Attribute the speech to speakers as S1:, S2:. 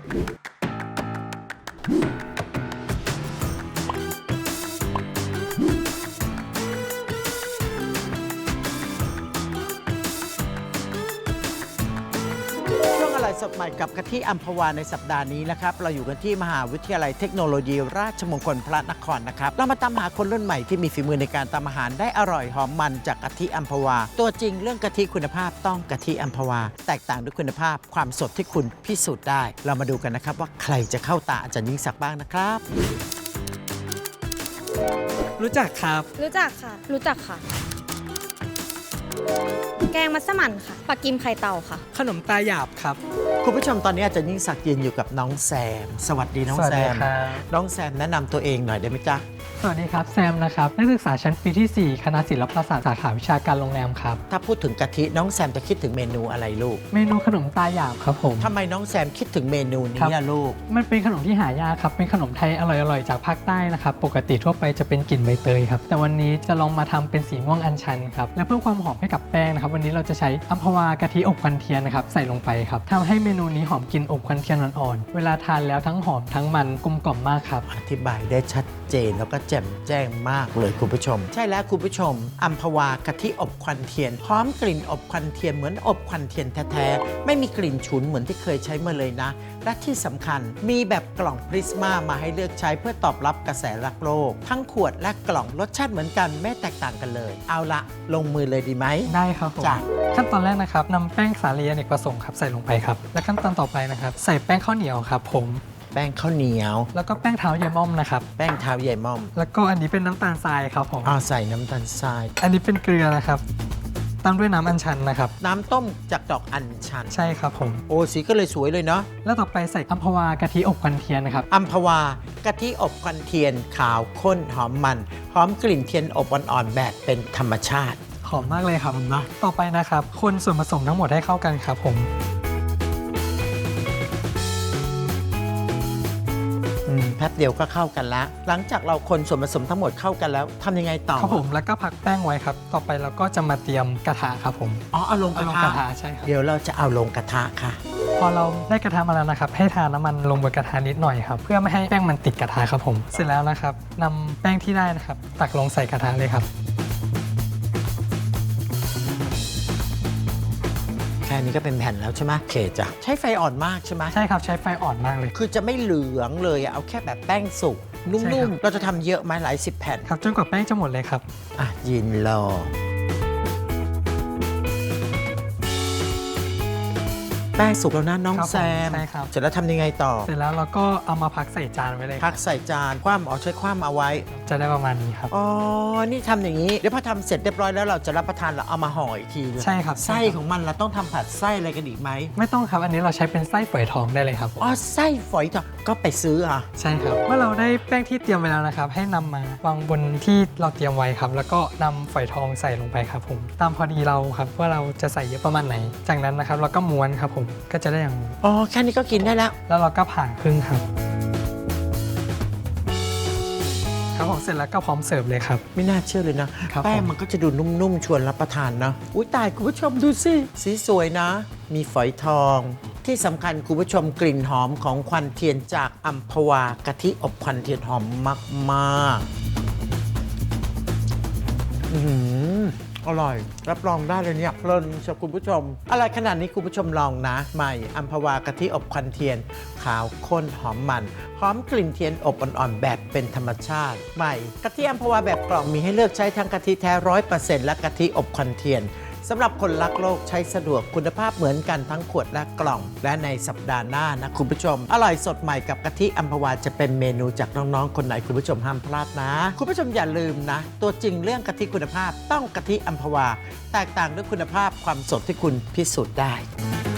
S1: สดใหม่กับกะทิอัมพวาในสัปดาห์นี้นะครับเราอยู่กันที่มหาวิทยาลัยเทคโนโลยีราชมงคลพระนครนะครับเรามาตามหาคนรุ่นใหม่ที่มีฝีมือในการทำอาหารได้อร่อยหอมมันจากกะทิอัมพวาตัวจริงเรื่องกะทิคุณภาพต้องกะทิอัมพวาแตกต่างด้วยคุณภาพความสดที่คุณพิสูจน์ได้เรามาดูกันนะครับว่าใครจะเข้าตาอาจารย์ยิ่งศักดิ์บ้างนะครับ
S2: รู้จักครับ
S3: รู้จักค่ะ รู้จักค่ะ แกงมัสมั่นค่ะปลากิมไข่เต่าค่ะ
S2: ขนมตาหยาบครับ
S1: คุณผู้ชมตอนนี้อาจารย์ยิ่งศักดิ์ยืนอยู่กับน้องแซมสวัสดีน้องแซมน้องแซมแนะนำตัวเองหน่อยได้ไหมจ๊ะ
S4: สวัสดีครับแซมนะครับนักศึกษาชั้นปีที่ 4 คณะศิลปศาสตร์สาขาวิชาการโรงแรมครับ
S1: ถ้าพูดถึงกะทิน้องแซมจะคิดถึงเมนูอะไรลูก
S4: เมนูขนมตาหยาบครับผม
S1: ทำไมน้องแซมคิดถึงเมนูนี้ล่ะลูก
S4: มันเป็นขนมที่หายากครับเป็นขนมไทยอร่อยๆจากภาคใต้นะครับปกติทั่วไปจะเป็นกลิ่นใบเตยครับแต่วันนี้จะลองมาทำเป็นสีม่วงอัญชันครับและเพิ่มความหอมให้กับแป้งนะครับวันนี้เราจะใช้อัมพวากะทิอบควันเทียนนะครับใส่ลงไปครับทำให้เมนูนี้หอมกลิ่นอบควันเทียนอ่อนๆเวลาทานแล้วทั้งหอมทั้งมันกลมกล่อมมากครับ
S1: อธิบายได้ชัดเจนแล้วก็แจ่มแจ้งมากเลยคุณผู้ชมใช่แล้วคุณผู้ชมอัมพวากะทิอบควันเทียนหอมกลิ่นอบควันเทียนเหมือนอบควันเทียนแท้ๆไม่มีกลิ่นฉุนเหมือนที่เคยใช้มาเลยนะและที่สำคัญมีแบบกล่องพริสมามาให้เลือกใช้เพื่อตอบรับกระแสรักโลกทั้งขวดและกล่องรสชาติเหมือนกันไม่แตกต่างกันเลยเอาละลงมือเลยดีไหม
S4: ได้ครับผมขั้นตอนแรกนะครับนำแป้งสาลีอเนกประสงค์ครับใส่ลงไปครับและขั้นตอนต่อไปนะครับใส่แป้งข้าวเหนียวครับผม
S1: แป้งข้าวเหนียว
S4: แล้วก็แป้งเท้าใยม่อมนะครับ
S1: แป้งเท้าใยม่อม
S4: แล้วก็อันนี้เป็นน้ำตาลทรายครับผม
S1: ใส่น้ำตาลทราย
S4: อันนี้เป็นเกลือนะครับตามด้วยน้ำอัญชันนะครับ
S1: น้ำต้มจากดอกอัญชัน
S4: ใช่ครับผม
S1: โอ้สีก็เลยสวยเลยเนาะ
S4: แล้วต่อไปใส่อัมพวากะทิอบควันเทียนนะครับ
S1: อัมพวากะทิอบควันเทียนขาวข้นหอมมันหอมกลิ่นเทียนอบอ่อนๆแบบเป็นธรรมชาติ
S4: หอมมากเลยครับนะต่อไปนะครับคนส่วนผสมทั้งหมดให้เข้ากันครับผม
S1: แป๊บเดียวก็เข้ากันแล้วหลังจากเราคนส่วนผสมทั้งหมดเข้ากันแล้วทำยังไงต่อ
S4: ครับผมแล้วก็พักแป้งไว้ครับต่อไปเราก็จะมาเตรียมกระทะครับผม
S1: เอาลงกระทะ
S4: ใช่ครับ
S1: เดี๋ยวเราจะเอาลงกระทะค่ะ
S4: พอเราได้กระทะมาแล้วนะครับให้ทาน้ำมันลงบนกระทะนิดหน่อยครับเพื่อไม่ให้แป้งมันติดกระทะครับผมเสร็จแล้วนะครับนำแป้งที่ได้นะครับตักลงใส่กระทะเลยครับ
S1: แค่นี้ก็เป็นแผ่นแล้วใช่ไหมโอเคจ้ะใช้ไฟอ่อนมากใช่ไหม
S4: ใช่ครับใช้ไฟอ่อนมากเลย
S1: คือจะไม่เหลืองเลยเอาแค่แบบแป้งสุกนุ่มๆเราจะทำเยอะไหมหลาย10แผ่น
S4: ครับจนกว่าแป้งจะหมดเลยครับ
S1: ยืนรอแป้งสุกแล้วนะน้องแซม
S4: ใช่ครับ
S1: เสร็จแล้วทำยังไงต่อ
S4: เสร็จแล้วเราก็เอามาพักใส่จานไว้เลย
S1: พักใส่จานคว่ำใช้คว่ำเอาไว้
S4: จะได้ประมาณนี้ครับ
S1: นี่ทำอย่างนี้เดี๋ยวพอทำเสร็จเรียบร้อยแล้วเราจะรับประทานเราเอามาห่ออีกที
S4: ใช่ครับ
S1: ไส้ของมันเราต้องทำผัดไส้อะไรกันอีกไหม
S4: ไม่ต้องครับอันนี้เราใช้เป็นไส้ฝอยทองได้เลยครับ
S1: ไส้ฝอยทองก็ไปซื้อ
S4: ใช่ครับเมื่อเราได้แป้งที่เตรียมไว้แล้วนะครับให้นำมาวางบนที่เราเตรียมไว้ครับแล้วก็นำฝอยทองใส่ลงไปครับผมตามพอดีเราครับว่าเราจะใส่เยอะประมาณไหนจากนั้นนะครับเราก็ม้วนครับผมก็จะได้อย่าง
S1: แค่นี้ก็กินได้แล้ว
S4: แล้วเราก็ผ่าครึ่งครับครับผมเสร็จแล้วก็พร้อมเสิร์ฟเลยครับ
S1: ไม่น่าเชื่อเลยนะแป้งมันก็จะดูนุ่มๆชวนรับประทานนะอุ้ยตายคุณผู้ชมดูสิสีสวยนะมีฝอยทองที่สำคัญคุณผู้ชมกลิ่นหอมของควันเทียนจากอัมพวากะทิอบควันเทียนหอมมากๆอร่อยรับรองได้เลยเนี่ยเพลินชอบคุณผู้ชมอะไรขนาดนี้คุณผู้ชมลองนะใหม่อัมพวากะทิอบควันเทียนขาวข้นหอมมันหอมกลิ่นเทียนอบอ่อนๆแบบเป็นธรรมชาติใหม่กะทิอัมพวาแบบกล่องมีให้เลือกใช้ทั้งกะทิแท้ 100% และกะทิอบควันเทียนสำหรับคนรักโลกใช้สะดวกคุณภาพเหมือนกันทั้งขวดและกล่องและในสัปดาห์หน้านะคุณผู้ชมอร่อยสดใหม่กับกะทิอัมพวาจะเป็นเมนูจากน้องๆคนไหนคุณผู้ชมห้ามพลาดนะคุณผู้ชมอย่าลืมนะตัวจริงเรื่องกะทิคุณภาพต้องกะทิอัมพวาแตกต่างด้วยคุณภาพความสดที่คุณพิสูจน์ได้